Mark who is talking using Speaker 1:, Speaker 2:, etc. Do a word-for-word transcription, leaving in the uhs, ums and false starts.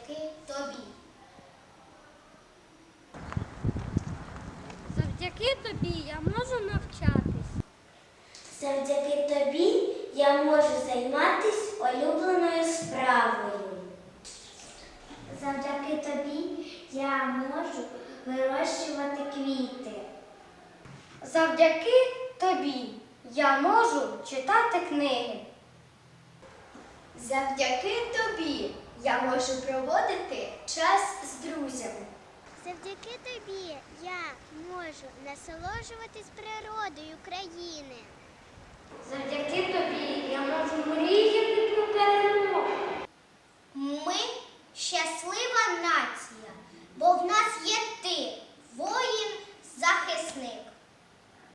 Speaker 1: завдяки тобі.
Speaker 2: Завдяки тобі я можу навчатись.
Speaker 3: Завдяки тобі я можу займатися улюбленою справою. Завдяки тобі я можу вирощувати квіти.
Speaker 2: Завдяки тобі я можу читати книги.
Speaker 1: Завдяки тобі я можу проводити час з друзями.
Speaker 4: Завдяки тобі я можу насолоджуватись природою країни.
Speaker 2: Завдяки тобі я можу мріяти про перемогу.
Speaker 1: Ми щаслива нація, бо в нас є ти, воїн-захисник.